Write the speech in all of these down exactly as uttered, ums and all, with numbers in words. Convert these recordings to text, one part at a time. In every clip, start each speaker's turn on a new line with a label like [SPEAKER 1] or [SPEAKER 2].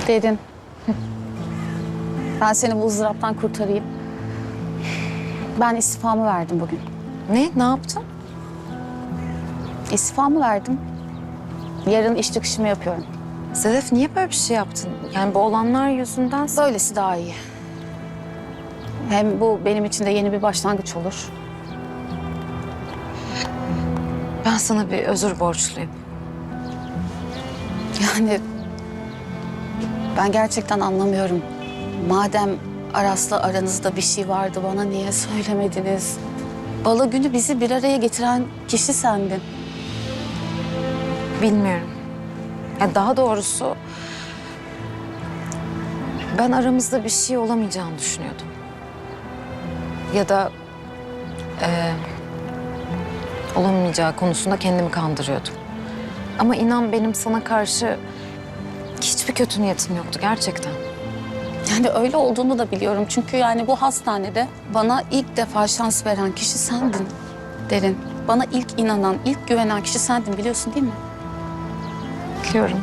[SPEAKER 1] Derin. Ben seni bu ızdıraptan kurtarayım. Ben istifamı verdim bugün.
[SPEAKER 2] Ne? Ne yaptın?
[SPEAKER 1] İstifamı verdim. Yarın iş çıkışımı yapıyorum.
[SPEAKER 2] Sedef niye böyle bir şey yaptın? Yani bu olanlar yüzünden...
[SPEAKER 1] Böylesi daha iyi. Hem bu benim için de yeni bir başlangıç olur.
[SPEAKER 2] Ben sana bir özür borçluyum.
[SPEAKER 1] Yani ben gerçekten anlamıyorum. Madem Aras'la aranızda bir şey vardı, bana niye söylemediniz? Balo günü bizi bir araya getiren kişi sendin.
[SPEAKER 2] Bilmiyorum. Ya daha doğrusu... Ben aramızda bir şey olamayacağını düşünüyordum. Ya da... E, olamayacağı konusunda kendimi kandırıyordum. Ama inan benim sana karşı hiçbir kötü niyetim yoktu gerçekten.
[SPEAKER 1] Yani öyle olduğunu da biliyorum. Çünkü yani bu hastanede bana ilk defa şans veren kişi sendin Derin. Bana ilk inanan, ilk güvenen kişi sendin, biliyorsun değil mi?
[SPEAKER 2] Biliyorum.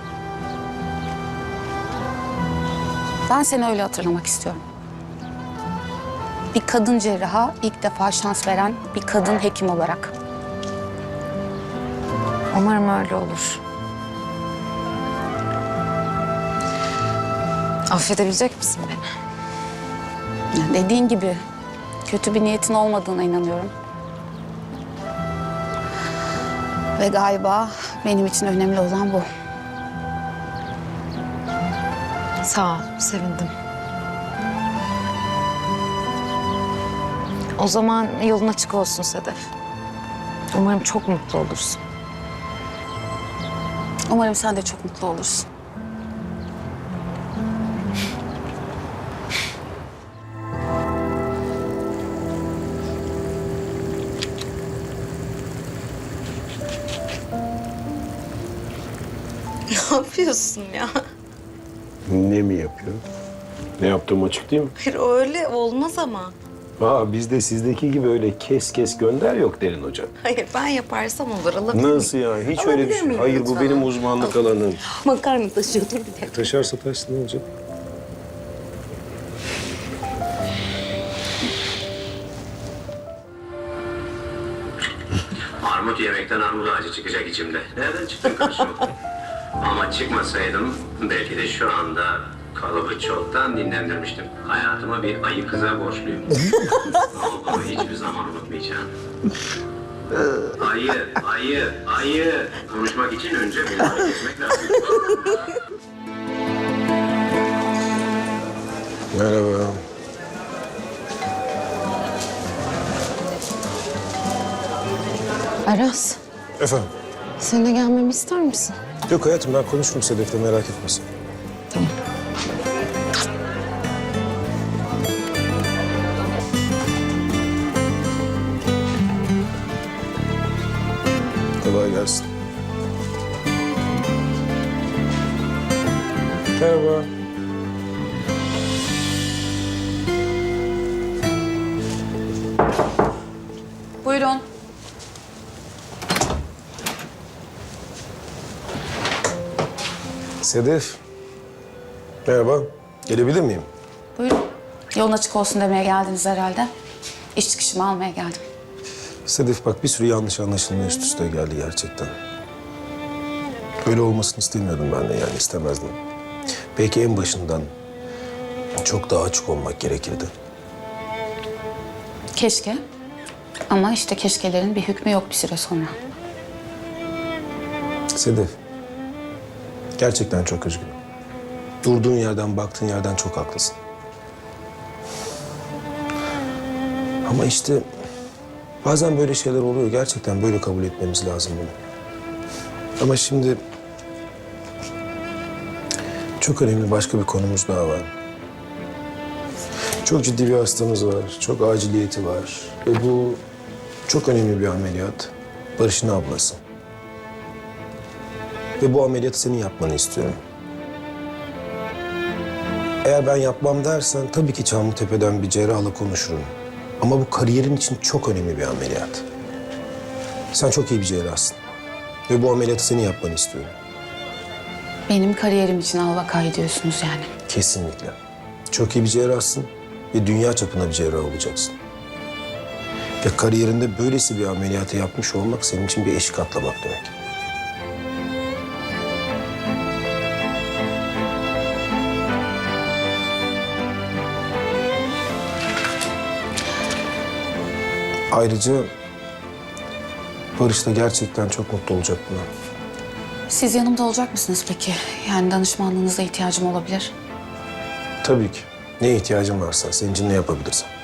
[SPEAKER 1] Ben seni öyle hatırlamak istiyorum. Bir kadın cerraha ilk defa şans veren bir kadın hekim olarak.
[SPEAKER 2] Umarım öyle olur. Affedebilecek misin beni?
[SPEAKER 1] Yani dediğin gibi kötü bir niyetin olmadığına inanıyorum. Ve galiba benim için önemli olan bu.
[SPEAKER 2] Sağ ol, sevindim. O zaman yolun açık olsun Sedef. Umarım çok mutlu olursun.
[SPEAKER 1] Umarım sen de çok mutlu olursun.
[SPEAKER 2] Ne yapıyorsun ya?
[SPEAKER 3] Ne mi yapıyor? Ne yaptığım açık değil mi?
[SPEAKER 2] Hayır öyle olmaz ama.
[SPEAKER 3] Aa, bizde sizdeki gibi öyle kes kes gönder yok Derin Hoca.
[SPEAKER 2] Hayır ben yaparsam olur alabilir miyim?
[SPEAKER 3] Nasıl yani? Hiç
[SPEAKER 2] Alabilir
[SPEAKER 3] öyle bir şey.
[SPEAKER 2] miyim
[SPEAKER 3] Hayır bu
[SPEAKER 2] lütfen?
[SPEAKER 3] benim uzmanlık alanım.
[SPEAKER 2] Makarna taşıyordum bir de.
[SPEAKER 3] Taşarsa taşsın ne olacak?
[SPEAKER 4] Armut yemekten armut ağacı çıkacak içimde. Nereden çıktın karşıma? Ama çıkmasaydım belki de şu anda kalıbı çoktan dinlendirmiştim. Hayatıma bir ayı kıza borçluyum. Onu hiçbir zaman unutmayacağım. Ayı, ayı, ayı. Konuşmak için önce beni hareket etmek lazım.
[SPEAKER 3] Merhaba.
[SPEAKER 2] Aras,
[SPEAKER 3] Efendim?
[SPEAKER 2] seninle gelmemi ister misin?
[SPEAKER 3] Yok hayatım ben konuşurum Sedef'le merak etmesin.
[SPEAKER 2] Tamam.
[SPEAKER 3] Kolay gelsin. Merhaba.
[SPEAKER 1] Buyurun.
[SPEAKER 3] Sedef. Merhaba. Gelebilir miyim?
[SPEAKER 1] Buyurun. Yolun açık olsun demeye geldiniz herhalde. İş çıkışımı almaya geldim.
[SPEAKER 3] Sedef bak bir sürü yanlış anlaşılma üst üste geldi gerçekten. Böyle olmasını istemiyordum ben de yani istemezdim. Belki en başından çok daha açık olmak gerekirdi.
[SPEAKER 1] Keşke. Ama işte keşkelerin bir hükmü yok bir süre sonra.
[SPEAKER 3] Sedef, gerçekten çok üzgünüm. Durduğun yerden, baktığın yerden çok haklısın. Ama işte bazen böyle şeyler oluyor. Gerçekten böyle kabul etmemiz lazım bunu. Ama şimdi çok önemli başka bir konumuz daha var. Çok ciddi bir hastamız var. Çok aciliyeti var. Ve bu çok önemli bir ameliyat. Barış'ın ablası. Ve bu ameliyatı senin yapmanı istiyorum. Eğer ben yapmam dersen tabii ki Çamlıtepe'den bir cerrahla konuşurum. Ama bu kariyerin için çok önemli bir ameliyat. Sen çok iyi bir cerrahsın. Ve bu ameliyatı senin yapmanı istiyorum.
[SPEAKER 1] Benim kariyerim için al vakayı diyorsunuz yani.
[SPEAKER 3] Kesinlikle. Çok iyi bir cerrahsın ve dünya çapında bir cerrah olacaksın. Ve kariyerinde böylesi bir ameliyatı yapmış olmak senin için bir eşik atlamak demek. Ayrıca Barış da gerçekten çok mutlu olacak buna.
[SPEAKER 1] Siz yanımda olacak mısınız peki? Yani danışmanlığınıza ihtiyacım olabilir.
[SPEAKER 3] Tabii ki. Neye ihtiyacın varsa, senin için ne yapabilirsem.